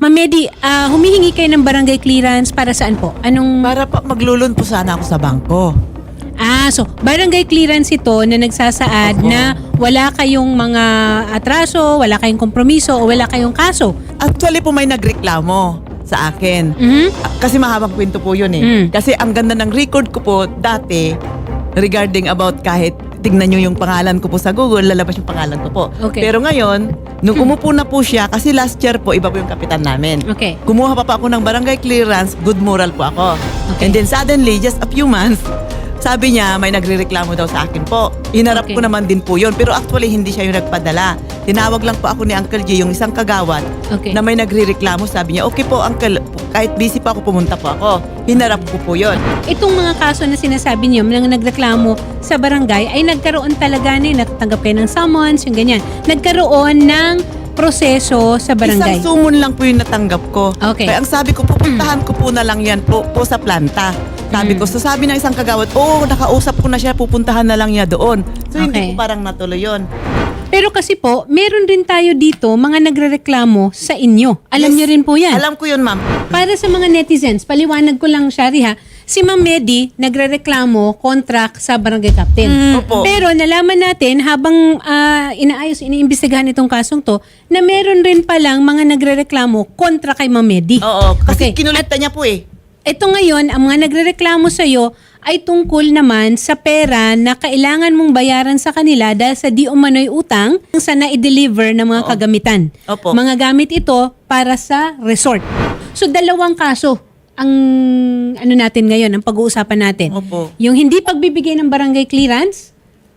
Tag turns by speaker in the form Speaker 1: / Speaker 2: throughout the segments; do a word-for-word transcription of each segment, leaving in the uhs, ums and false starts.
Speaker 1: Ma'am Medi, ah, humihingi kayo ng barangay clearance para saan po? Anong...
Speaker 2: Para pa maglulun po sana ako sa bangko.
Speaker 1: Ah, so barangay clearance ito na nagsasaad
Speaker 2: Opo.
Speaker 1: na wala kayong mga atraso, wala kayong kompromiso o wala kayong kaso.
Speaker 2: Actually po may nagreklamo sa akin.
Speaker 1: Mhm.
Speaker 2: Ah, Kasi mahabang kwento po yun eh.
Speaker 1: Mm.
Speaker 2: Kasi ang ganda ng record ko po dati regarding about kahit tignan nyo yung pangalan ko po sa Google, lalabas yung pangalan ko po.
Speaker 1: Okay.
Speaker 2: Pero ngayon, nung umupo na po siya, kasi last year po, iba po yung kapitan namin.
Speaker 1: Okay.
Speaker 2: Kumuha pa pa ako ng barangay clearance, good moral po ako.
Speaker 1: Okay.
Speaker 2: And then suddenly, just a few months, sabi niya, may nagrereklamo daw sa akin po. Hinarap
Speaker 1: Okay.
Speaker 2: ko naman din po yun. Pero actually, hindi siya yung nagpadala. Tinawag lang po ako ni Uncle G, yung isang kagawad,
Speaker 1: Okay.
Speaker 2: na may nagrereklamo. Sabi niya, okay po, Uncle, kahit busy pa ako, pumunta po ako. Hinarap ko po yun.
Speaker 1: Itong mga kaso na sinasabi niyo nang nagreklamo sa barangay ay nagkaroon talaga na, natatanggap kayo ng summons, yung ganyan. Nagkaroon ng proseso sa barangay.
Speaker 2: Isang sumon lang po yung natanggap ko.
Speaker 1: Okay.
Speaker 2: Kaya ang sabi ko, pupuntahan ko po na lang yan po, po sa planta. Sabi
Speaker 1: Mm.
Speaker 2: ko, so sabi ng isang kagawad, oh, nakausap ko na siya, pupuntahan na lang niya doon. So
Speaker 1: Okay.
Speaker 2: hindi po parang natuloy yun.
Speaker 1: Pero kasi po, meron rin tayo dito mga nagrereklamo sa inyo. Alam
Speaker 2: Yes.
Speaker 1: niyo rin po yan.
Speaker 2: Alam ko yun, ma'am.
Speaker 1: Para sa mga netizens, paliwanag ko lang, Shari ha, si Ma'am Medi nagrereklamo contract sa barangay captain.
Speaker 2: Opo.
Speaker 1: Pero nalaman natin habang ah, inaayos, iniimbestigahan itong kasong to, na meron rin palang mga nagrereklamo kontra kay Ma'am Medi.
Speaker 2: Oo, kasi
Speaker 1: Okay.
Speaker 2: kinulekta niya po eh.
Speaker 1: Ito ngayon, ang mga nagrereklamo sa iyo ay tungkol naman sa pera na kailangan mong bayaran sa kanila dahil sa di umano'y utang sa na-deliver ng mga
Speaker 2: Oo.
Speaker 1: kagamitan.
Speaker 2: Opo.
Speaker 1: Mga gamit ito para sa resort. So dalawang kaso ang ano natin ngayon, ang pag-uusapan natin.
Speaker 2: Opo.
Speaker 1: Yung hindi pagbibigay ng barangay clearance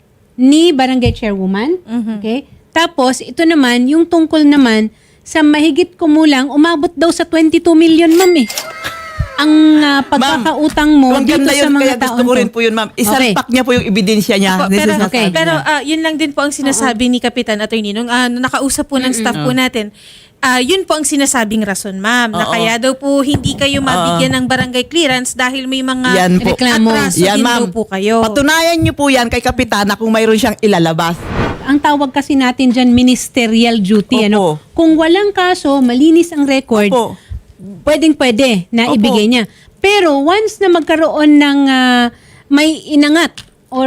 Speaker 1: ni barangay chairwoman. Okay? Tapos ito naman, yung tungkol naman sa mahigit kumulang, umabot daw sa twenty-two million, ma'am eh. Ang ah, pagkakautang mo
Speaker 2: Ang
Speaker 1: dito
Speaker 2: ganda
Speaker 1: sa
Speaker 2: yun,
Speaker 1: mga
Speaker 2: kaya
Speaker 1: taon
Speaker 2: gusto ko
Speaker 1: to.
Speaker 2: rin po yun, ma'am. Isalpak niya po yung ebidensya niya.
Speaker 3: Opo,
Speaker 2: This
Speaker 3: pero
Speaker 2: is not
Speaker 1: okay.
Speaker 2: sabi
Speaker 3: pero
Speaker 2: niya.
Speaker 3: ah, yun lang din po ang sinasabi ni Kapitan Attorney nung ah, nakausap po ng staff po natin. Ah, yun po ang sinasabing rason, ma'am, na
Speaker 2: Oo.
Speaker 3: kaya daw po hindi kayo mabigyan ng barangay clearance dahil may mga
Speaker 2: Yan po.
Speaker 1: Reklamo.
Speaker 3: atraso
Speaker 2: Yan,
Speaker 3: din
Speaker 2: ma'am.
Speaker 3: daw po kayo.
Speaker 2: Patunayan niyo po yan kay Kapitana kung mayroon siyang ilalabas.
Speaker 1: Ang tawag kasi natin dyan, ministerial duty.
Speaker 2: Opo.
Speaker 1: Ano? Kung walang kaso, malinis ang record,
Speaker 2: Opo.
Speaker 1: pwedeng pwede na
Speaker 2: Opo.
Speaker 1: ibigay niya. Pero once na magkaroon ng ah, may inangat or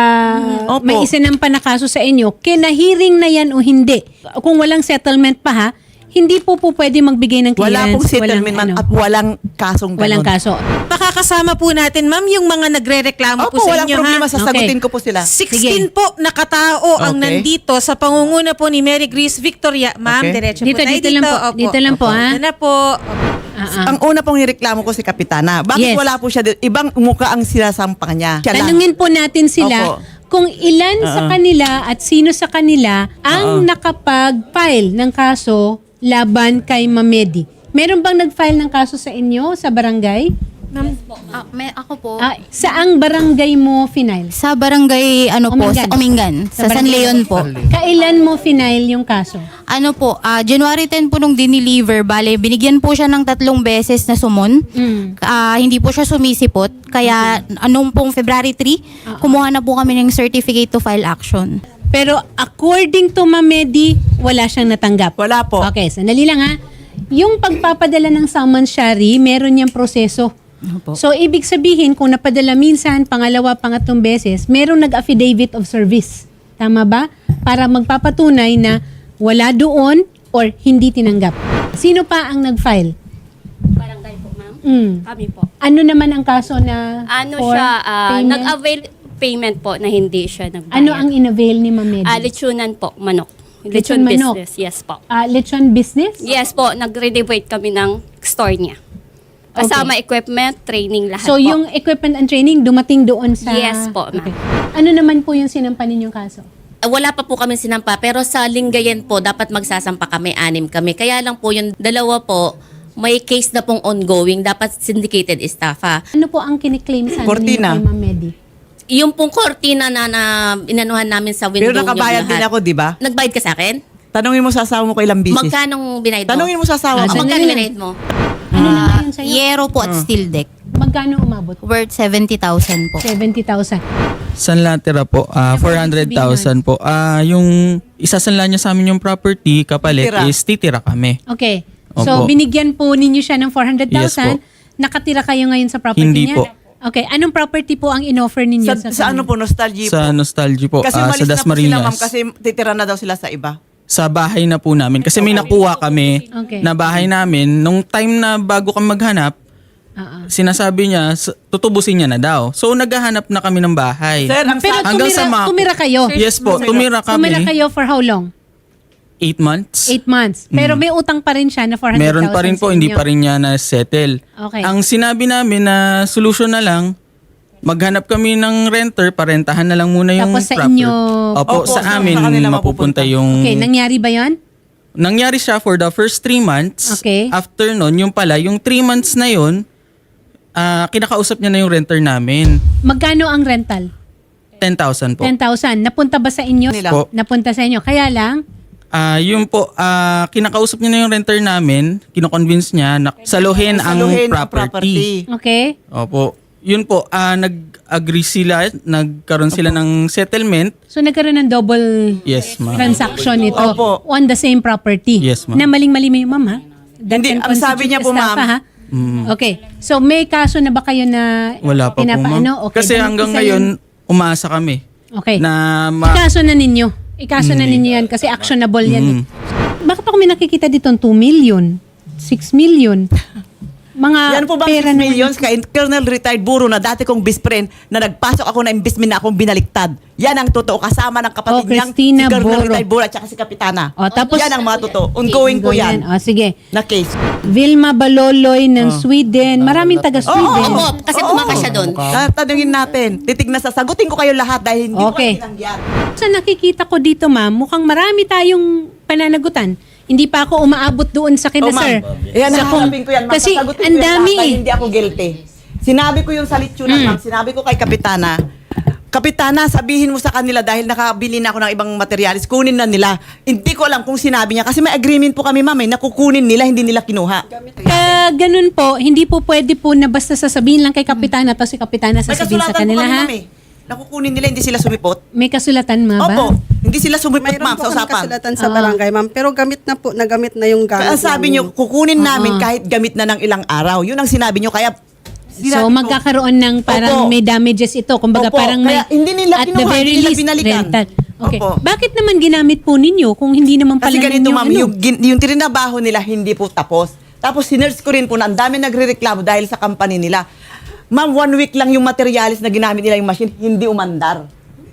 Speaker 1: ah,
Speaker 2: Opo.
Speaker 1: may isinampa na kaso sa inyo, kinahiring na yan o hindi. Kung walang settlement pa ha, hindi po po pwede magbigay ng clearance.
Speaker 2: Wala pong settlement, ma'am,
Speaker 1: ano,
Speaker 2: at walang kasong
Speaker 1: walang
Speaker 2: ganon.
Speaker 1: kaso.
Speaker 3: Makakasama po natin, ma'am, yung mga nagre-reklamo po
Speaker 2: Opo,
Speaker 3: sa
Speaker 2: walang
Speaker 3: inyo,
Speaker 2: problema.
Speaker 3: ha?
Speaker 2: Sasagutin
Speaker 1: Okay.
Speaker 2: ko po sila.
Speaker 3: sixteen po na katao ang
Speaker 2: Okay.
Speaker 3: nandito sa pangunguna po ni Mary Grace Victoria. Ma'am,
Speaker 2: Okay.
Speaker 3: diretso
Speaker 1: Dito,
Speaker 3: po tayo
Speaker 1: dito lang po.
Speaker 3: Opo.
Speaker 1: Dito lang po, ha?
Speaker 3: Dito na po.
Speaker 1: Ah, ah.
Speaker 2: Ang una pong nireklamo ko si Kapitana. Bakit
Speaker 1: Yes.
Speaker 2: wala po siya dito? Ibang muka ang sinasampang niya. Siya lang.
Speaker 1: Tanungin po natin sila
Speaker 2: Opo.
Speaker 1: kung ilan sa
Speaker 2: Oo.
Speaker 1: kanila at sino sa kanila ang
Speaker 2: Oo.
Speaker 1: nakapag-file ng kaso laban kay Mamedi. Meron bang nag-file ng kaso sa inyo sa barangay?
Speaker 4: Ah, may, ako po,
Speaker 1: Ah, saang barangay mo final?
Speaker 4: sa barangay, ano po,
Speaker 1: Omingan.
Speaker 4: sa Omingan, sa, San
Speaker 1: barangay-
Speaker 4: Leon po.
Speaker 1: Kailan mo final yung kaso?
Speaker 4: Ano po, ah, January tenth po nung dineliver, bale, binigyan po siya ng tatlong beses na sumon.
Speaker 1: Mm.
Speaker 4: Ah, hindi po siya sumisipot, kaya anong pong February three, kumuha na po kami ng certificate to file action.
Speaker 1: Pero according to Mamedi, wala siyang natanggap.
Speaker 2: Wala po.
Speaker 1: Okay, sandali lang ha. Yung pagpapadala ng summons, Shari, meron niyang proseso.
Speaker 4: Opo.
Speaker 1: So, ibig sabihin, kung napadala minsan, pangalawa, pangatlong beses, merong nag-affidavit of service. Tama ba? Para magpapatunay na wala doon or hindi tinanggap. Sino pa ang nag-file?
Speaker 5: Barangay po, ma'am.
Speaker 1: Mm.
Speaker 5: Kami po.
Speaker 1: Ano naman ang kaso na
Speaker 5: Ano
Speaker 1: for
Speaker 5: siya, ah,
Speaker 1: payment?
Speaker 5: nag-avail payment po na hindi siya nagbayad.
Speaker 1: Ano ang in-avail ni Ma'am Medi?
Speaker 5: Ah, lechonan po, manok.
Speaker 1: Lechon
Speaker 5: Lechon
Speaker 1: manok.
Speaker 5: business, yes po.
Speaker 1: Ah, lechon business?
Speaker 5: Yes po, nag-renovate kami ng store niya. Kasama equipment, training, lahat
Speaker 1: So,
Speaker 5: po.
Speaker 1: yung equipment and training dumating doon sa...
Speaker 5: Yes po, ma'am.
Speaker 1: Ano naman po yung sinampa ninyong kaso?
Speaker 6: Ah, wala pa po kami sinampa, pero sa Lingayen po, dapat magsasampa kami, anim kami. Kaya lang po yung dalawa po, may case na pong ongoing, dapat syndicated estafa.
Speaker 1: Ano po ang kiniklaim sa
Speaker 2: Cortina.
Speaker 1: ninyo kay Ma'am Medi?
Speaker 6: Yung pong kortina na, na inanuhan namin sa window
Speaker 2: Pero nakabayad
Speaker 6: yung
Speaker 2: din
Speaker 6: lahat.
Speaker 2: ako, di ba?
Speaker 6: Nagbayad ka sa akin?
Speaker 2: Tanungin mo sa asawa mo ko ilang bisis.
Speaker 6: Magkanong binayad mo?
Speaker 2: Tanungin mo sa
Speaker 1: Ah,
Speaker 2: asawa
Speaker 6: Ah,
Speaker 2: ko.
Speaker 6: magkano
Speaker 1: sandali lang.
Speaker 6: binayad mo?
Speaker 1: Ano na
Speaker 4: Ah,
Speaker 1: yun sa'yo?
Speaker 4: Yero po at steel deck.
Speaker 1: Magkano umabot?
Speaker 4: Worth seventy thousand po.
Speaker 1: seventy thousand.
Speaker 7: Sanla tira po, ah, four hundred thousand po. Ah, yung isasanla niya sa amin yung property, kapalit
Speaker 2: Titira.
Speaker 7: is titira kami.
Speaker 1: Okay. So,
Speaker 7: Opo.
Speaker 1: binigyan po ninyo siya ng four hundred thousand.
Speaker 7: Yes po.
Speaker 1: Nakatira kayo ngayon sa property
Speaker 7: Hindi
Speaker 1: niya?
Speaker 7: po.
Speaker 1: Okay. Anong property po ang in-offer ninyo
Speaker 2: Sa,
Speaker 1: sa,
Speaker 2: sa ano po, nostalgia
Speaker 7: Sa
Speaker 2: po.
Speaker 7: Nostalgia po,
Speaker 2: Kasi
Speaker 7: ah,
Speaker 2: umalis
Speaker 7: sa
Speaker 2: na po sila,
Speaker 7: Dasmariñas.
Speaker 2: ma'am, kasi titira na daw sila sa iba.
Speaker 7: Sa bahay na po namin. Kasi may nakuha kami
Speaker 1: Okay.
Speaker 7: na bahay namin. Nung time na bago kami maghanap,
Speaker 1: Oo.
Speaker 7: sinasabi niya, s- tutubusin niya na daw. So, naghahanap na kami ng bahay.
Speaker 2: Sir, ang
Speaker 1: Pero
Speaker 2: sa-
Speaker 7: Hanggang
Speaker 1: tumira,
Speaker 7: sa ma-
Speaker 1: tumira kayo?
Speaker 7: Yes po, tumira
Speaker 1: Tumira
Speaker 7: kami.
Speaker 1: kayo for how long?
Speaker 7: Eight months.
Speaker 1: Eight months. Pero may utang pa rin siya na four hundred thousand
Speaker 7: Meron pa rin po,
Speaker 1: sa
Speaker 7: hindi
Speaker 1: inyo.
Speaker 7: pa rin niya na-settle.
Speaker 1: Okay.
Speaker 7: Ang sinabi namin na solution na lang, maghanap kami ng renter, parentahan na lang muna yung
Speaker 1: Tapos sa
Speaker 7: proper-
Speaker 1: inyo-
Speaker 7: Opo,
Speaker 2: Opo,
Speaker 7: sa
Speaker 2: sa-
Speaker 7: amin
Speaker 2: sa kanila
Speaker 7: mapupunta
Speaker 2: mapupunta.
Speaker 7: yung...
Speaker 1: Okay, nangyari ba yon?
Speaker 7: Nangyari siya for the first three months.
Speaker 1: Okay.
Speaker 7: After nun, yung pala, yung three months na yun, ah, kinakausap niya na yung renter namin.
Speaker 1: Magkano ang rental?
Speaker 7: ten thousand po.
Speaker 1: ten thousand. Napunta ba sa inyo?
Speaker 2: Nila.
Speaker 7: Po.
Speaker 1: Napunta sa inyo. Kaya lang,
Speaker 7: Ah, yun po, ah, kinakausap niya na yung renter namin, kino-convince niya na saluhin ang
Speaker 2: Saluhin ang
Speaker 7: property.
Speaker 1: okay?
Speaker 7: Opo. Yun po, ah, nag-agree sila, nagkaroon sila ng settlement.
Speaker 1: So nagkaroon ng double
Speaker 7: Yes, ma'am.
Speaker 1: transaction ito
Speaker 2: Opo.
Speaker 1: on the same property.
Speaker 7: Yes, ma'am.
Speaker 1: Na maling-mali mo yung ma'am, ha? That
Speaker 2: Hindi,
Speaker 1: can
Speaker 2: ang sabi
Speaker 1: constitute
Speaker 2: niya po,
Speaker 1: estafa,
Speaker 2: ma'am.
Speaker 1: ha? Okay. So may kaso na ba kayo na
Speaker 7: Wala pa po,
Speaker 1: pinapaano?
Speaker 7: ma'am.
Speaker 1: Okay.
Speaker 7: Kasi
Speaker 1: Dahil
Speaker 7: hanggang
Speaker 1: isa
Speaker 7: ngayon,
Speaker 1: yan-
Speaker 7: umaasa kami
Speaker 1: Okay.
Speaker 7: na ma-
Speaker 1: Ikaso na ninyo. Ikaso na ninyo yan kasi actionable yan. eh. Bakit ako may nakikita dito two million, six million? Mga
Speaker 2: Yan po bang
Speaker 1: pera
Speaker 2: six
Speaker 1: naman-
Speaker 2: millions kay Colonel retired Buro na dati kong best friend na nagpasok ako na investment na akong binaliktad. Yan ang totoo kasama ng kapatid
Speaker 1: Oh,
Speaker 2: niyang
Speaker 1: Christina
Speaker 2: si Colonel
Speaker 1: Buro.
Speaker 2: retired Buro at saka si Kapitana.
Speaker 1: O, tapos,
Speaker 2: yan ang mga totoo. Ongoing po yan
Speaker 1: O, sige.
Speaker 2: na case.
Speaker 1: Vilma Baloloy ng Sweden. Maraming taga-Sweden.
Speaker 6: Opo, kasi tumakas siya doon.
Speaker 2: Tatanungin natin. Titignan sa sagutin ko kayo lahat dahil hindi
Speaker 1: Okay.
Speaker 2: ko tinanggihan.
Speaker 1: Sa nakikita ko dito, ma'am, mukhang marami tayong pananagutan. Hindi pa ako umaabot doon sa kina,
Speaker 2: Oh, ma'am.
Speaker 1: sir.
Speaker 2: Yan,
Speaker 1: Sa kung-
Speaker 2: hahanapin ko yan. Ma'am.
Speaker 1: Kasi
Speaker 2: Sasagutin ko
Speaker 1: ang
Speaker 2: yan
Speaker 1: dami.
Speaker 2: lahat dahil hindi ako guilty. Sinabi ko yung sa litsunan,
Speaker 1: Mm.
Speaker 2: ma'am. Sinabi ko kay Kapitana, Kapitana, sabihin mo sa kanila dahil nakabili na ako ng ibang materialis, kunin na nila. Hindi ko alam kung sinabi niya. Kasi may agreement po kami, ma'am. Eh, nakukunin nila, hindi nila kinuha.
Speaker 1: Kaya ganun po, hindi po pwede po na basta sasabihin lang kay Kapitana tapos si Kapitana
Speaker 2: May
Speaker 1: sasabihin sa
Speaker 2: kasulatan po
Speaker 1: kanila,
Speaker 2: kami,
Speaker 1: ha?
Speaker 2: ma'am. Eh. Nakukunin nila, hindi sila sumipot.
Speaker 1: May kasulatan mga ba?
Speaker 2: Opo, hindi sila sumipot,
Speaker 8: Mayroon
Speaker 2: ma'am,
Speaker 8: po
Speaker 2: sa
Speaker 8: kami
Speaker 2: usapan.
Speaker 8: kasulatan sa barangay, ma'am. Pero gamit na po, nagamit na yung gamit.
Speaker 2: Kaya sabi
Speaker 8: namin.
Speaker 2: niyo, kukunin namin kahit gamit na ng ilang araw. Yun ang sinabi niyo. Kaya,
Speaker 1: So
Speaker 2: sinabi ko,
Speaker 1: magkakaroon ng parang
Speaker 2: Opo.
Speaker 1: may damages ito. Kumbaga
Speaker 2: Opo,
Speaker 1: parang may
Speaker 2: kaya hindi nila
Speaker 1: at the
Speaker 2: kinuha,
Speaker 1: very
Speaker 2: hindi nila
Speaker 1: least
Speaker 2: binalikan.
Speaker 1: rental. Okay.
Speaker 2: Opo.
Speaker 1: Bakit naman ginamit po ninyo kung hindi naman pala
Speaker 2: Kasi ganito,
Speaker 1: ninyo
Speaker 2: ma'am,
Speaker 1: ano?
Speaker 2: yung, gin- yung trinabaho nila hindi po tapos. Tapos sinerge ko rin po na ang dami nagre-reklamo dahil sa company nila. Ma'am, one week lang yung materialis na ginamit nila yung machine, hindi umandar.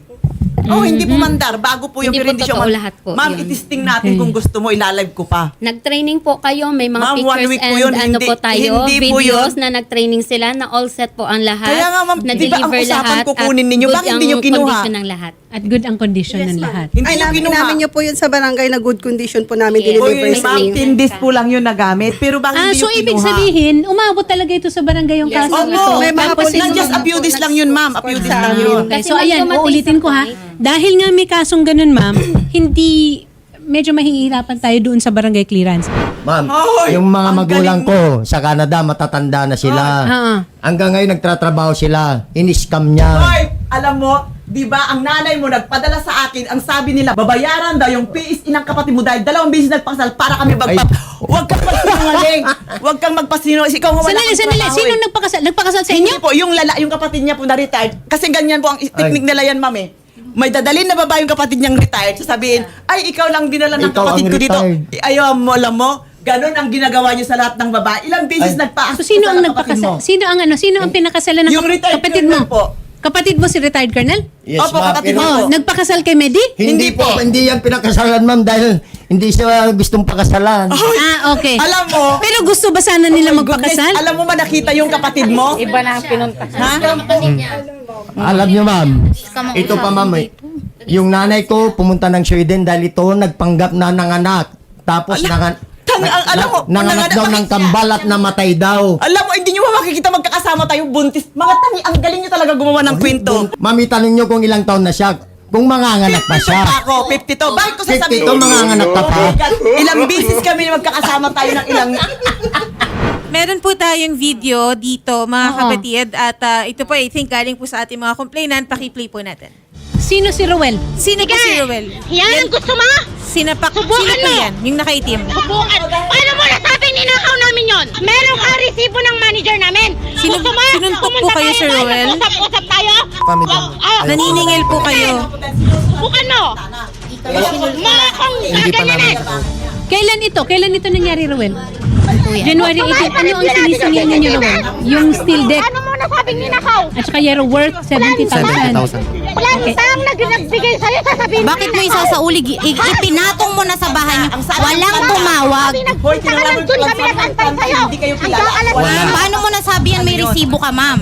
Speaker 2: Oh, hindi pumandar. Bago po yung
Speaker 5: Hindi
Speaker 2: pero
Speaker 5: po
Speaker 2: hindi siya
Speaker 5: totoo
Speaker 2: umandar.
Speaker 5: lahat po
Speaker 2: Ma'am,
Speaker 5: yun.
Speaker 2: itisting natin kung gusto mo, ilalive ko pa.
Speaker 5: Nag-training po kayo, may mga
Speaker 2: Ma'am, one
Speaker 5: pictures
Speaker 2: week po
Speaker 5: and
Speaker 2: yun,
Speaker 5: ano
Speaker 2: hindi-
Speaker 5: po tayo,
Speaker 2: hindi po
Speaker 5: videos
Speaker 2: yun.
Speaker 5: na nag-training sila, na all set po ang lahat.
Speaker 2: Kaya nga, ma'am, di ba ang
Speaker 5: na-deliver
Speaker 2: usapan
Speaker 5: lahat
Speaker 2: kukunin
Speaker 5: at
Speaker 2: ninyo?
Speaker 5: good
Speaker 2: Bakit
Speaker 5: ang
Speaker 2: hindi nyo kinuha?
Speaker 5: condition ng lahat.
Speaker 1: At good ang condition ng lahat.
Speaker 2: Hindi
Speaker 8: Ay,
Speaker 2: nyo
Speaker 8: namin,
Speaker 2: kinuha.
Speaker 8: namin niyo po yun sa barangay na good condition po namin
Speaker 5: Yes.
Speaker 2: O
Speaker 8: deliver
Speaker 2: yun,
Speaker 5: May
Speaker 2: ma'am,
Speaker 5: statement
Speaker 2: ten days
Speaker 5: ka.
Speaker 2: po lang yun nagamit. Pero bakit
Speaker 1: Ah,
Speaker 2: hindi
Speaker 1: so
Speaker 2: nyo
Speaker 1: ibig
Speaker 2: kinuha?
Speaker 1: sabihin, umabot talaga ito sa barangay yung kaso
Speaker 2: Opo,
Speaker 1: ito.
Speaker 8: May mga
Speaker 1: Tapos
Speaker 8: police
Speaker 2: not just a few days lang yun, ma'am. A few days lang yun.
Speaker 1: Okay,
Speaker 5: Kasi
Speaker 1: so ayan,
Speaker 5: nag-dumating
Speaker 1: uulitin
Speaker 5: sa
Speaker 1: ko ha.
Speaker 5: point.
Speaker 1: Dahil nga may kasong ganun, ma'am, hindi, medyo mahihirapan tayo doon sa barangay clearance.
Speaker 9: Ma'am,
Speaker 2: Ay,
Speaker 9: yung mga
Speaker 2: ang
Speaker 9: magulang
Speaker 2: galing
Speaker 9: ko sa Canada, matatanda na sila.
Speaker 1: Ah.
Speaker 9: Hanggang ngayon nagtatrabaho sila. In-scam niya.
Speaker 2: Hoy, alam mo, di ba ang nanay mo nagpadala sa akin, ang sabi nila, babayaran daw yung P S inang kapatid mo dahil dalawang beses nagpakasal para kami magpap... Huwag kang magpasinungaling. Huwag kang magpasinungaling. Ikaw nga wala
Speaker 1: Sandali,
Speaker 2: kang
Speaker 1: sandali.
Speaker 2: trabaho
Speaker 1: Sino
Speaker 2: eh.
Speaker 1: nagpakasal? Nagpakasal sa inyo?
Speaker 2: Hindi po, yung lala, yung kapatid niya po na retired. Kasi ganyan po ang technique nila yan, ma'am eh. May dadalhin na babae yung kapatid niyang retired. Sasabihin, ay, ikaw lang dinala ng
Speaker 9: Ikaw
Speaker 2: kapatid
Speaker 9: ang
Speaker 2: ko dito.
Speaker 9: retired.
Speaker 2: Eh, Ayaw mo, alam mo, ganun ang ginagawa niyo sa lahat ng babae. Ilang beses
Speaker 9: Ay.
Speaker 2: nagpaas
Speaker 1: So sino
Speaker 2: sa
Speaker 1: ang
Speaker 2: kapatid
Speaker 1: nagpakasal?
Speaker 2: mo?
Speaker 1: Sino ang ano? Sino ang pinakasalan ng
Speaker 2: Yung
Speaker 1: kap-
Speaker 2: retired
Speaker 1: kapatid mo?
Speaker 2: colonel po.
Speaker 1: Kapatid mo si retired colonel?
Speaker 9: Yes,
Speaker 2: Opo,
Speaker 9: ma'am.
Speaker 2: kapatid
Speaker 9: Pero-
Speaker 2: mo.
Speaker 1: Oh, nagpakasal kay Medi?
Speaker 9: Hindi
Speaker 2: Hindi
Speaker 9: po,
Speaker 2: po.
Speaker 9: hindi yan pinakasalan, ma'am, dahil hindi siya gustong pakasalan.
Speaker 1: Ah, okay.
Speaker 2: Alam mo,
Speaker 1: Pero gusto ba sana nila
Speaker 2: Oh my goodness,
Speaker 1: magpakasal?
Speaker 2: alam mo ba nakita yung kapatid mo? Iba na pinunta. Ha?
Speaker 9: Alam niyo, ma'am, ito pa, ma'am, eh. Yung nanay ko pumunta ng Sweden dahil ito nagpanggap na ng anak. Tapos nangan,
Speaker 2: Tang- ang- alam mo,
Speaker 9: nanganak
Speaker 2: nanganak
Speaker 9: daw
Speaker 2: kami-
Speaker 9: ng kambal at namatay daw.
Speaker 2: Alam mo, hindi nyo ba makikita magkakasama tayo buntis? Mga tangi, ang galing nyo talaga gumawa ng kwento.
Speaker 9: Mami, tanong niyo kung ilang taon na siya. Kung manganganak pa siya.
Speaker 2: Ako, fifty-two. Bakit ko sasabihin?
Speaker 9: fifty-two, manganganak ka pa.
Speaker 2: Oh my God, ilang beses kami na magkakasama tayo ng ilang...
Speaker 3: Meron po tayong video dito, mga
Speaker 1: Oo.
Speaker 3: kapatid. At ah, ito po, I think, galing po sa ating mga complainant. Paki-play po natin.
Speaker 1: Sino si Rowel?
Speaker 3: Sino po si Ruel?
Speaker 10: Yan ang gusto mo?
Speaker 3: Sinapak,
Speaker 10: Subukan
Speaker 3: sino po
Speaker 10: mo.
Speaker 3: yan? Yung nakaitim.
Speaker 10: Subukan. Paano mo nasabi ni ninakaw namin yon. Meron kang resibo ng manager namin.
Speaker 3: Sinu-
Speaker 10: Gusto mo?
Speaker 3: sinuntok po
Speaker 10: Pumunta
Speaker 3: kayo,
Speaker 10: tayo
Speaker 3: Sir
Speaker 10: doon,
Speaker 3: Roel?
Speaker 10: Mag-usap-usap tayo.
Speaker 9: Kami
Speaker 10: Wag- ah,
Speaker 3: Naniningil po kayo.
Speaker 10: Bukan mo. Mga kong gaganyanin.
Speaker 1: Kailan ito? Kailan ito nangyari, Ruel? January eighteen. Ano ang sinisingil ninyo, Ruel? Yung steel deck
Speaker 10: Ano mo nasabing ninakaw?
Speaker 1: at saka yung worth seventy thousand.
Speaker 10: Walang isang nag- nagbigay sa'yo, sasabihin mo
Speaker 4: Bakit mo isasaulig? I- ipinatong mo na sa bahay niyo. Walang tumawag.
Speaker 2: Hoy,
Speaker 10: Sa kanan
Speaker 2: tinawag
Speaker 10: dun
Speaker 2: ko
Speaker 10: kami
Speaker 2: lang
Speaker 10: nag-antay
Speaker 2: sa
Speaker 10: sa'yo.
Speaker 2: hindi kayo kilala.
Speaker 10: Hanggang alas
Speaker 2: Wala.
Speaker 4: Paano mo nasabi yan may resibo ka, ma'am?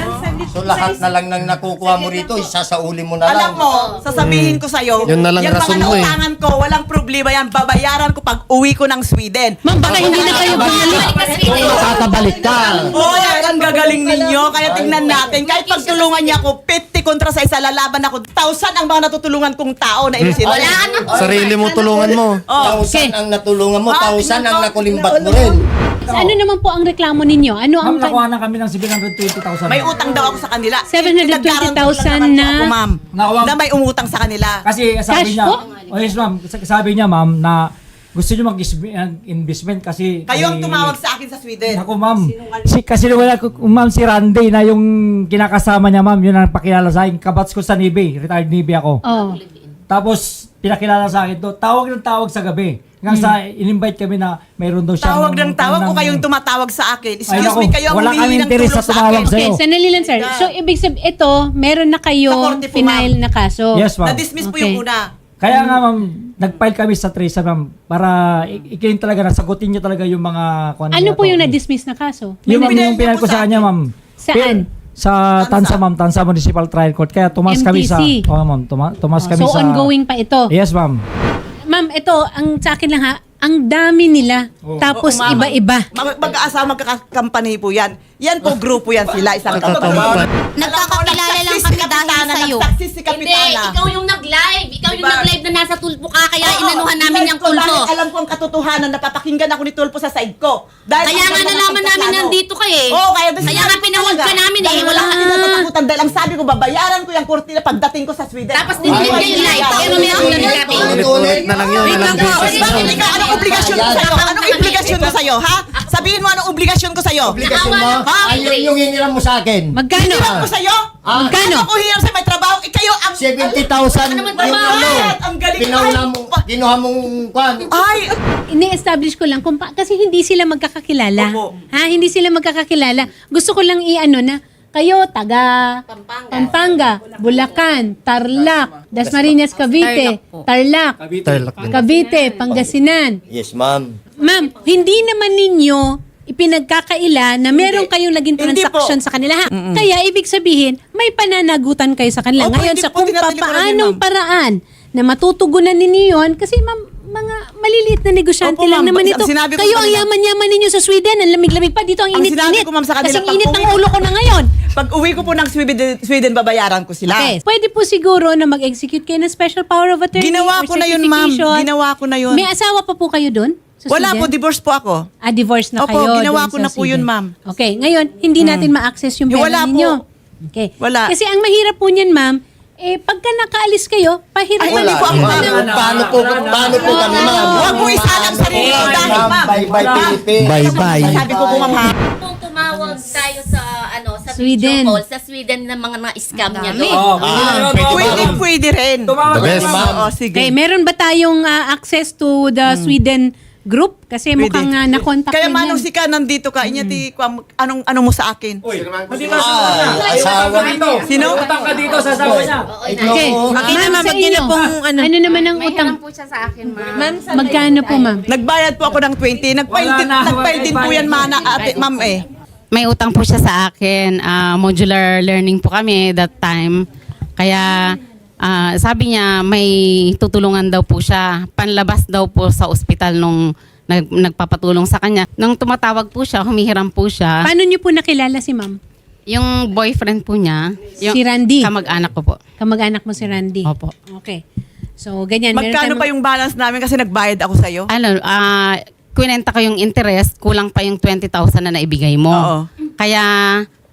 Speaker 9: So lahat na lang nang nakukuha mo rito, isasauli mo na lang.
Speaker 2: Alam mo, sasabihin ko sa'yo,
Speaker 11: Yun na lang
Speaker 2: yung
Speaker 11: rason
Speaker 2: mga
Speaker 11: mo eh.
Speaker 2: nautangan ko, walang problema yan. Babayaran ko pag uwi ko ng Sweden.
Speaker 1: Ma'am, baka hindi na kayo bumalik.
Speaker 9: Makakabalik ka.
Speaker 2: Oh, ang gagaling ninyo. Kaya tingnan natin. Kahit pagtulungan niya ako, fifty kontra sa isa, lalaban ako. Thousand ang mga natutulungan kong tao na inusin.
Speaker 6: Wala ka na.
Speaker 11: Sarili mo tulungan mo.
Speaker 2: Oh,
Speaker 9: Tausan ang natulungan mo,
Speaker 2: Ah,
Speaker 9: tausan
Speaker 2: tingnan
Speaker 9: ang
Speaker 2: ko.
Speaker 9: nakulimbat mo rin.
Speaker 1: Ano naman po ang reklamo ninyo? Ano ang...
Speaker 12: na kami ng seven hundred twenty thousand.
Speaker 2: may utang daw ako sa kanila.
Speaker 1: seven hundred twenty thousand
Speaker 2: Pinaggaranto lang naman
Speaker 1: na-
Speaker 2: ako, ma'am.
Speaker 12: Nakuha-
Speaker 2: Na may umutang sa kanila.
Speaker 12: Kasi sabi
Speaker 1: Cash
Speaker 12: niya,
Speaker 1: po?
Speaker 12: oh yes ma'am, Sa- sabi niya ma'am na gusto niyo mag-investment kasi...
Speaker 2: Kayo ang
Speaker 12: kami-
Speaker 2: tumawag sa akin sa Sweden.
Speaker 12: Ako ma'am, si, kasi wala ko, ma'am si Randy na yung kinakasama niya ma'am, yun ang pakilala sa akin. Kabats ko sa Navy, retired Navy ako.
Speaker 1: Oh.
Speaker 12: Tapos pinakilala sa akin to, tawag ng tawag sa gabi. Hanggang sa in-invite kami na mayroon daw siyang...
Speaker 2: Tawag ng tawag o
Speaker 12: ng-
Speaker 2: kayong tumatawag sa akin.
Speaker 12: Ay,
Speaker 2: Excuse
Speaker 12: naku,
Speaker 2: me, kayo ang
Speaker 12: wala
Speaker 2: humihingi
Speaker 12: kaming
Speaker 2: ng
Speaker 12: interes
Speaker 2: tulong
Speaker 12: sa
Speaker 2: sa
Speaker 12: tumawag
Speaker 2: akin.
Speaker 12: sa'yo.
Speaker 1: Okay, sandali lang, sir. So, ibig sabihin, ito, meron na kayo
Speaker 2: Sa korte po,
Speaker 1: final
Speaker 2: ma'am.
Speaker 1: na kaso.
Speaker 12: Yes ma'am.
Speaker 2: Na-dismiss po
Speaker 1: Okay.
Speaker 2: yung una.
Speaker 12: Kaya nga ma'am, nag-file kami sa Tresa ma'am para i- ikin talaga, nasagutin niyo talaga yung mga... kung
Speaker 1: Ano
Speaker 12: niya
Speaker 1: po
Speaker 12: to.
Speaker 1: yung na-dismiss na kaso?
Speaker 12: Yung, ma'am,
Speaker 2: Pinayag
Speaker 12: yung
Speaker 2: niyo
Speaker 12: pinayag
Speaker 2: po
Speaker 12: ko
Speaker 2: sa
Speaker 12: sa kanya,
Speaker 2: akin.
Speaker 12: ma'am.
Speaker 1: Saan?
Speaker 12: Pi- Sa Tansa, ma'am. Tansa Municipal Trial Court. Kaya tumas kami sa...
Speaker 1: M T C.
Speaker 12: Oo, ma'am. Tuma, tumas kami
Speaker 1: So,
Speaker 12: sa...
Speaker 1: ongoing pa ito.
Speaker 12: Yes, ma'am.
Speaker 1: Ma'am, ito, ang sa akin lang ha, ang dami nila. Tapos
Speaker 2: Oo, ma'am.
Speaker 1: iba-iba.
Speaker 2: Mag- Mag-aasawa, magkakampany po yan. Yan po, grupo yan sila. Isang
Speaker 11: Nagtatampan.
Speaker 4: Nagkakakilala lang kami dahil sa'yo.
Speaker 2: Nagtaksis si
Speaker 6: Hindi,
Speaker 2: Kapitana.
Speaker 6: ikaw yung nag-live. Ikaw yung
Speaker 2: Diba?
Speaker 6: nag-live na nasa tulpo ka, kaya
Speaker 2: Oo,
Speaker 6: inanuhan namin
Speaker 2: live
Speaker 6: yung
Speaker 2: ko
Speaker 6: tulpo.
Speaker 2: dahil alam ko ang katotohanan, napapakinggan ako ni Tulpo sa side ko. Dahil
Speaker 6: Kaya
Speaker 2: ang
Speaker 6: nga
Speaker 2: ganda ng
Speaker 6: nalaman namin
Speaker 2: pagkaplano.
Speaker 6: nandito ka eh.
Speaker 2: Oo, kaya,
Speaker 6: Kaya nga pinahod ka namin eh.
Speaker 2: Dahil
Speaker 6: Wala
Speaker 2: wala
Speaker 6: ka
Speaker 2: ka natatakutan dahil ang sabi ko, babayaran ko yung kurtina pagdating ko sa Sweden.
Speaker 6: Tapos dinilip ka yung live. Pero may ako na nagkapi.
Speaker 11: Ulit-ulit na lang yun. Walang basis na.
Speaker 2: Bakit ikaw, anong obligasyon ko sa'yo? Anong obligasyon ko sa'yo, ha? Sabihin mo, anong obligasyon ko sa'yo?
Speaker 9: Obligasyon mo,
Speaker 2: Ha?
Speaker 9: ayun yung hiniram mo sa akin.
Speaker 1: Magkano?
Speaker 2: Hiniram ko sa'yo?
Speaker 9: Ah.
Speaker 1: Magkano?
Speaker 2: Ano ko hiram sa may trabaho? Eh, kayo ang...
Speaker 9: seventy thousand
Speaker 6: Ano
Speaker 9: yung
Speaker 6: naman ba?
Speaker 9: ano.
Speaker 2: Ang galing.
Speaker 9: Pinauna
Speaker 2: Ay,
Speaker 9: mo, kinuha mong kwan.
Speaker 2: Ay,
Speaker 1: Ini-establish ko lang kung pa- kasi hindi sila magkakakilala.
Speaker 2: Opo.
Speaker 1: Ha, hindi sila magkakakilala. Gusto ko lang i-ano na kayo taga Pampanga, Bulacan, Tarlac, Dasmariñas, Cavite, Tarlac,
Speaker 11: Tarlac din.
Speaker 1: Cavite, Pangasinan.
Speaker 9: Yes, ma'am.
Speaker 1: Ma'am, hindi naman ninyo ipinagkakaila na meron kayong naging
Speaker 2: Hindi
Speaker 1: transaction
Speaker 2: po.
Speaker 1: sa kanila. Ha? Kaya ibig sabihin, may pananagutan kayo sa kanila.
Speaker 2: Opo,
Speaker 1: Ngayon,
Speaker 2: hindi
Speaker 1: sa
Speaker 2: po
Speaker 1: kung
Speaker 2: tinatili ko na din,
Speaker 1: paanong
Speaker 2: ma'am.
Speaker 1: paraan na matutugunan ninyo yun, kasi ma'am, mga maliliit na negosyante
Speaker 2: Opo,
Speaker 1: lang
Speaker 2: ma'am.
Speaker 1: naman
Speaker 2: Ang
Speaker 1: ito.
Speaker 2: sinabi ko
Speaker 1: Kayo
Speaker 2: sa
Speaker 1: ang
Speaker 2: kanila-
Speaker 1: yaman-yaman ninyo sa Sweden. Ang lamig-lamig pa. Dito ang
Speaker 2: Ang sinabi
Speaker 1: init-init.
Speaker 2: ko, ma'am, sa kanila,
Speaker 1: Kasing
Speaker 2: pag
Speaker 1: init ng
Speaker 2: uwi-
Speaker 1: ulo ko na ngayon.
Speaker 2: pag uwi ko po ng Sweden, Sweden babayaran ko sila.
Speaker 1: Okay. Pwede po siguro na mag-execute kayo ng special power of attorney.
Speaker 2: Ginawa
Speaker 1: or
Speaker 2: ko na yun, ma'am.
Speaker 1: certification.
Speaker 2: Ginawa ko na yun.
Speaker 1: May asawa pa po kayo doon? Sa
Speaker 2: Wala
Speaker 1: Sweden?
Speaker 2: po, divorce po ako.
Speaker 1: Ah, divorce na
Speaker 2: Opo,
Speaker 1: kayo.
Speaker 2: ginawa
Speaker 1: doon
Speaker 2: ko
Speaker 1: sa
Speaker 2: na po yun,
Speaker 1: Sweden.
Speaker 2: ma'am.
Speaker 1: Okay, ngayon, hindi natin ma-access yung
Speaker 2: Eh,
Speaker 1: pera
Speaker 2: wala po.
Speaker 1: ninyo. Okay.
Speaker 2: Wala.
Speaker 1: Kasi ang mahirap po niyan, ma'am, eh, pagka nakaalis kayo, pahirap
Speaker 2: Ay,
Speaker 1: na
Speaker 2: hindi po ako, ma'am.
Speaker 9: Paano, paano po, paano po kami, ma'am?
Speaker 2: Huwag mo isalang sarili ko dahil, ma'am.
Speaker 9: Bye-bye, Philippines.
Speaker 11: Bye-bye.
Speaker 2: Sabi ko po, ma'am, ha?
Speaker 6: Kung tumawag tayo sa ano sa
Speaker 1: Sweden.
Speaker 6: video call, sa Sweden ng mga mga scam niya doon.
Speaker 12: Oh,
Speaker 9: Ah,
Speaker 2: Pwede, pwede rin.
Speaker 12: Tumawag
Speaker 11: The best.
Speaker 12: ka, ma'am.
Speaker 2: Oo, sige.
Speaker 1: Okay, meron ba tayong ah, access to the Sweden group? Kasi
Speaker 2: Pwede.
Speaker 1: mukhang uh, na-contact
Speaker 2: Kaya
Speaker 1: na
Speaker 2: manong
Speaker 1: yan.
Speaker 2: si ka, nandito ka, inya ti, kwam- anong, ano mo sa akin?
Speaker 12: Hindi ka
Speaker 9: Ah, asawa
Speaker 12: dito.
Speaker 2: Sino?
Speaker 12: Utang ka dito sa asawa niya.
Speaker 1: Okay.
Speaker 3: Makita, ma'am,
Speaker 1: sa
Speaker 3: wag niyo na
Speaker 1: inyo,
Speaker 3: pong ano.
Speaker 1: ano naman ang utang?
Speaker 10: po siya sa akin, ma'am.
Speaker 1: Magkano po, ma'am?
Speaker 2: Nagbayad po ako ng twenty. Nagpail din,
Speaker 12: Wala na,
Speaker 2: nagpail din po yan, mana, ate, ma'am, eh.
Speaker 10: May utang po siya sa akin. Ah, modular learning po kami that time. Kaya ah, sabi niya may tutulungan daw po siya. Panlabas daw po sa ospital nung nag, nagpapatulong sa kanya. Nung tumatawag po siya, humihiram po siya.
Speaker 1: Paano niyo po nakilala si ma'am?
Speaker 10: Yung boyfriend po niya, yung
Speaker 1: Si Randy.
Speaker 10: kamag-anak ko po.
Speaker 1: Kamag-anak mo si Randy.
Speaker 10: Opo.
Speaker 1: Okay. So, ganyan. Meron
Speaker 2: Magkano
Speaker 1: tayong-
Speaker 2: pa yung balance namin kasi nagbayad ako sa'yo?
Speaker 10: Ano, ah, kwinenta ko yung interest, kulang pa yung twenty thousand na naibigay mo.
Speaker 2: Oo.
Speaker 10: Kaya,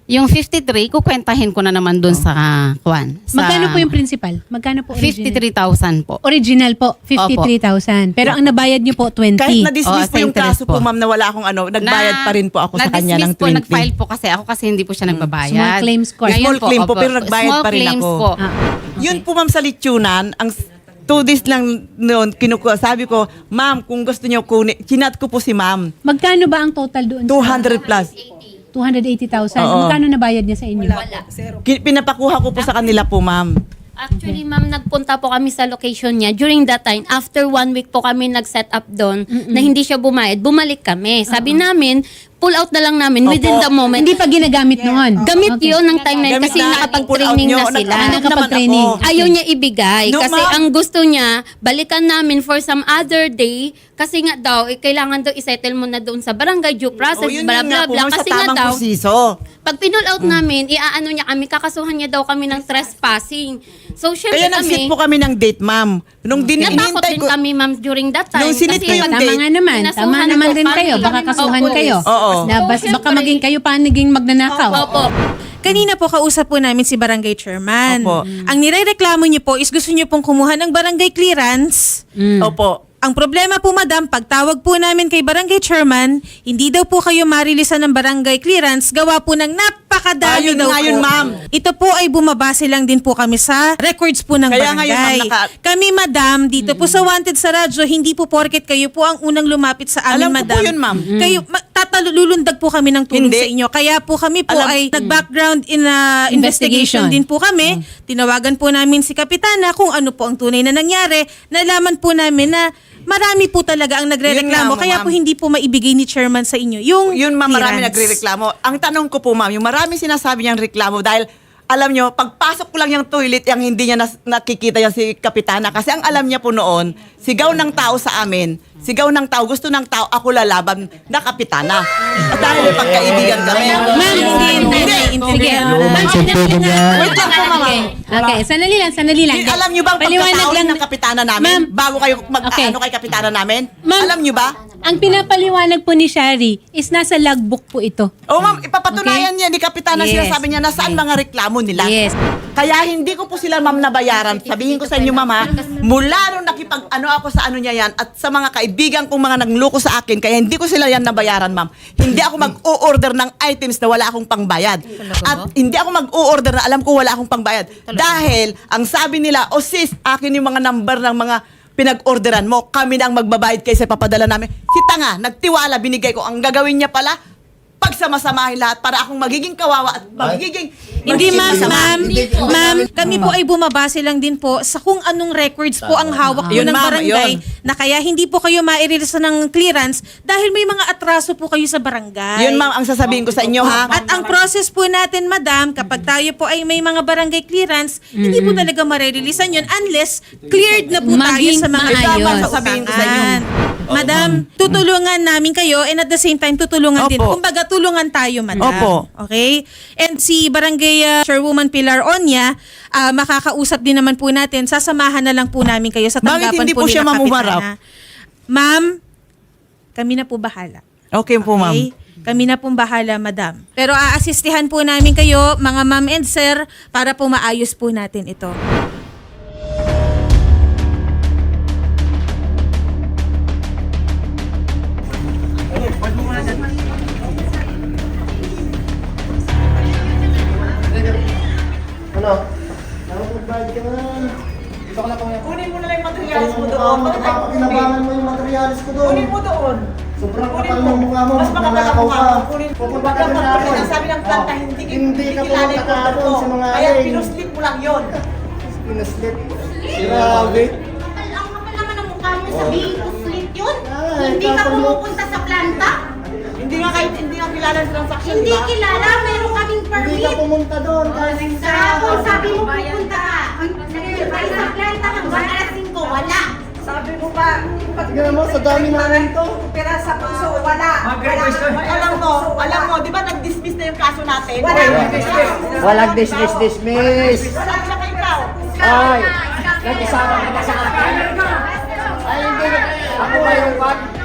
Speaker 10: Yung fifty-three, kukwentahin ko na naman dun sa kwan. Sa
Speaker 1: Magkano po yung principal? Magkano po original?
Speaker 10: fifty-three thousand po.
Speaker 1: Original po, fifty-three thousand. Pero ang nabayad niyo po, twenty.
Speaker 2: Kahit na-dismiss
Speaker 10: Oo,
Speaker 2: po
Speaker 10: sa
Speaker 2: yung
Speaker 10: interest
Speaker 2: kaso po,
Speaker 10: po.
Speaker 2: ma'am, na wala akong ano, nagbayad
Speaker 10: Na-
Speaker 2: pa rin po ako sa kanya ng
Speaker 10: na-dismiss po,
Speaker 2: twenty.
Speaker 10: nag-file po kasi ako kasi hindi po siya nagbabayad.
Speaker 1: Small claims court.
Speaker 10: Ngayon
Speaker 2: Small claim po,
Speaker 10: opo,
Speaker 2: pero nagbayad
Speaker 10: small
Speaker 2: pa rin
Speaker 10: claims
Speaker 2: ako.
Speaker 10: po.
Speaker 1: Ah.
Speaker 2: Yun po, ma'am, sa litsunan, ang s- two days lang noon, kinukuha, sabi ko, ma'am, kung gusto niyo kunin, chinat ko po si ma'am,
Speaker 1: Magkano ba ang total doon?
Speaker 2: two hundred plus.
Speaker 1: two hundred eighty thousand.
Speaker 2: Oo.
Speaker 1: Magkano nabayad niya sa inyo?
Speaker 2: Ki- Pinapakuha ko po sa kanila po, ma'am.
Speaker 5: Actually, ma'am, nagpunta po kami sa location niya. During that time, after one week po kami nag-set up doon na hindi siya bumayad, bumalik kami. Sabi namin, pull out na lang namin within the moment.
Speaker 1: Hindi pa ginagamit noon.
Speaker 5: Gamit
Speaker 1: Okay.
Speaker 5: yun ng time na yun
Speaker 2: Gamit
Speaker 5: kasi
Speaker 2: na,
Speaker 5: nakapag-training
Speaker 2: pull out
Speaker 5: na
Speaker 2: nyo,
Speaker 5: sila.
Speaker 2: nag-
Speaker 1: Ah, nakapag-training.
Speaker 2: naman ako.
Speaker 5: Ayaw niya ibigay
Speaker 2: No,
Speaker 5: kasi
Speaker 2: ma'am.
Speaker 5: ang gusto niya, balikan namin for some other day kasi nga daw, eh, kailangan daw isettle mo na doon sa barangay due process,
Speaker 2: O, yun
Speaker 5: bla
Speaker 2: yun
Speaker 5: bla
Speaker 2: nga po,
Speaker 5: bla.
Speaker 2: ma'am, sa
Speaker 5: Kasi nga
Speaker 2: tamang
Speaker 5: daw,
Speaker 2: proseso.
Speaker 5: pag pinull out namin, iaano niya kami, kakasuhan niya daw kami ng trespassing. So, syempre
Speaker 2: Kaya nag-sit
Speaker 5: kami,
Speaker 2: po kami ng date, ma'am. Nung din
Speaker 5: natakot
Speaker 2: hinintay
Speaker 5: din
Speaker 2: ko,
Speaker 5: kami, ma'am, during that time.
Speaker 2: Nung sinit
Speaker 5: Kasi
Speaker 2: ko yung
Speaker 5: pag-
Speaker 1: Tama
Speaker 2: date.
Speaker 1: nga naman. Tama
Speaker 5: Kinasuhan
Speaker 1: naman
Speaker 5: po
Speaker 1: rin
Speaker 5: kami.
Speaker 1: kayo. Baka
Speaker 5: Kami
Speaker 1: kasuhan
Speaker 5: ng
Speaker 1: kayo.
Speaker 2: police. Oo.
Speaker 1: Na bas,
Speaker 5: So,
Speaker 1: baka
Speaker 5: syempre-
Speaker 1: maging kayo pa naging magnanakaw.
Speaker 5: Opo.
Speaker 3: Kanina po kausap po namin si Barangay Chairman.
Speaker 2: Opo.
Speaker 3: Ang nirereklamo niyo po is gusto niyo pong kumuha ng barangay clearance.
Speaker 2: Opo.
Speaker 3: Ang problema po, madam, pagtawag po namin kay Barangay Chairman, hindi daw po kayo marilisan ng barangay clearance, gawa po ng napakadami
Speaker 2: Ayun
Speaker 3: daw
Speaker 2: nga
Speaker 3: po.
Speaker 2: yun, ma'am.
Speaker 3: Ito po ay bumabase lang din po kami sa records po ng
Speaker 2: Kaya nga yun,
Speaker 3: barangay.
Speaker 2: ma'am, naka-
Speaker 3: Kami, madam, dito po sa Wanted sa radyo, hindi po porket kayo po ang unang lumapit sa amin,
Speaker 2: Alam ko
Speaker 3: madam.
Speaker 2: po yun, ma'am.
Speaker 3: Kayo, ma- tatalulundag po kami ng tulong
Speaker 2: Hindi.
Speaker 3: sa inyo. Kaya po kami po
Speaker 2: Alam-
Speaker 3: ay nag-background in a investigation
Speaker 1: Investigation.
Speaker 3: din po kami. Tinawagan po namin si Kapitana kung ano po ang tunay na nangyari. Nalaman po namin na marami po talaga ang nagrereklamo.
Speaker 2: Yun nga,
Speaker 3: Kaya
Speaker 2: ma'am.
Speaker 3: po hindi po maibigay ni Chairman sa inyo yung
Speaker 2: Yun, ma'am, marami
Speaker 3: clearance.
Speaker 2: nagre-reklamo. Ang tanong ko po, ma'am, yung marami sinasabi niyang reklamo dahil alam nyo, pagpasok ko lang yung toilet, yung hindi niya nas- nakikita yan si Kapitana. Kasi ang alam niya po noon, sigaw ng tao sa amin, sigaw ng tao, gusto ng tao, ako lalaban na Kapitana. At dahil may pagkaibigan kami.
Speaker 1: Ma'am, hindi, hindi, hindi. Sige. Ma'am,
Speaker 9: Sintugin niya.
Speaker 2: Wait lang po, ma'am.
Speaker 1: Okay, sandali lang, sandali lang.
Speaker 2: Di- Alam niyo ba ang
Speaker 1: Paliwanag
Speaker 2: pagkatao
Speaker 1: lang
Speaker 2: ng Kapitana namin?
Speaker 1: Ma'am,
Speaker 2: bago kayo mag
Speaker 1: Okay.
Speaker 2: ano kay Kapitana namin?
Speaker 1: Ma'am,
Speaker 2: Alam niyo ba?
Speaker 1: ang pinapaliwanag po ni Shari is nasa logbook po ito.
Speaker 2: Oh, ma'am, ipapatunayan niya ni Kapitana,
Speaker 1: Yes.
Speaker 2: sinasabi niya nasaan mga reklamo nila.
Speaker 1: Yes.
Speaker 2: Kaya hindi ko po sila, ma'am, nabayaran. Sabihin ko sa inyo, ma'am, ha, mula nung nakipag ano ako sa ano niya yan at sa mga kaibigan kong mga nagloko sa akin, kaya hindi ko sila yan nabayaran, ma'am. Hindi ako mag-o-order ng items na wala akong pangbayad. At hindi ako mag-o-order na alam ko wala akong pangbayad. Dahil, ang sabi nila, o sis, akin yung mga number ng mga pinag-orderan mo, kami na ang magbabayad kaysa papadala namin. Si Tanga, nagtiwala, binigay ko. Ang gagawin niya pala, pagsamasamahin lahat para akong magiging kawawa at magiging...
Speaker 3: Hindi,
Speaker 2: magiging
Speaker 3: ma'am,
Speaker 2: masama.
Speaker 3: ma'am, ma'am, kami po ay bumabase lang din po sa kung anong records po ang hawak po
Speaker 2: Yun,
Speaker 3: ng
Speaker 2: ma'am,
Speaker 3: barangay
Speaker 2: yun.
Speaker 3: na kaya hindi po kayo mairelease ng clearance dahil may mga atraso po kayo sa barangay.
Speaker 2: Yun, ma'am, ang sasabihin ko sa inyo, ha?
Speaker 3: At ang process po natin, madam, kapag tayo po ay may mga barangay clearance, hindi po talaga marereleasean yun unless cleared na po tayo
Speaker 1: Maging
Speaker 3: sa mga
Speaker 1: maayos.
Speaker 3: ibang
Speaker 2: Sasabihin ko sa inyo.
Speaker 3: Madam, tutulungan namin kayo and at the same time tutulungan din.
Speaker 2: Opo.
Speaker 3: Kumbaga tulungan tayo, madam.
Speaker 2: Opo.
Speaker 3: Okay? And si Barangay uh, Chairwoman Pilar Onya, ah, makakausap din naman po natin. Sasamahan na lang po namin kayo sa
Speaker 2: Bakit
Speaker 3: tanggapan
Speaker 2: hindi po
Speaker 3: nila
Speaker 2: siya mamuharap?
Speaker 3: Kapitana. Ma'am, kami na po bahala.
Speaker 2: Okay po, ma'am.
Speaker 3: Okay? Kami na pong bahala, madam. Pero aasistihan po namin kayo, mga ma'am and sir, para po maayos po natin ito.
Speaker 9: Ano? Nakapagbayad ka na. Dito ka na po yan.
Speaker 2: Kunin mo na lang yung materials mo doon.
Speaker 9: Kinabangan mo yung materialis ko doon.
Speaker 2: Kunin mo doon.
Speaker 9: Sobrang
Speaker 2: Kunin
Speaker 9: kapal
Speaker 2: mo.
Speaker 9: ng mukha mo.
Speaker 2: Mas makapal ang
Speaker 9: Magnanakaw
Speaker 2: mukha
Speaker 9: ka.
Speaker 2: mo. Kunin mo.
Speaker 9: Pupunta ka
Speaker 2: Pagka
Speaker 9: na
Speaker 2: pag
Speaker 9: natin.
Speaker 2: sinasabi ng planta,
Speaker 9: Oh.
Speaker 2: hindi,
Speaker 9: Hindi ka
Speaker 2: kilala yung
Speaker 9: pumunta
Speaker 2: order
Speaker 9: doon
Speaker 2: ko.
Speaker 9: sa mga
Speaker 2: Kaya
Speaker 9: aling.
Speaker 2: pinuslip mo lang yun.
Speaker 9: Pinaslip. Grabe.
Speaker 13: Ang kapal naman ang mukha mo, sabihin ko slit yun.
Speaker 9: Ah,
Speaker 13: Hindi ka
Speaker 9: kapal mo.
Speaker 13: pumupunta sa planta.
Speaker 2: Hindi nga kahit hindi nga kilala sa transaction,
Speaker 13: Hindi
Speaker 2: di ba?
Speaker 13: kilala, meron kaming
Speaker 9: Hindi ka
Speaker 13: permit.
Speaker 9: pumunta doon. Kasi
Speaker 13: Kahapon sabi mo pupunta ka. Nag-reply sa planta hanggang alas singko, wala.
Speaker 8: Sabi mo ba,
Speaker 9: Tignan mo, sa dami namin to.
Speaker 8: pera sa puso, wala.
Speaker 2: Alam mo, alam mo, di ba nag-dismiss na yung kaso natin?
Speaker 8: Wala.
Speaker 9: Walang dismiss, dismiss.
Speaker 2: Wala siya kay ikaw.
Speaker 9: Ay, nag-isama ka na sa akin. Ay, hindi. Ako ngayon, Pat.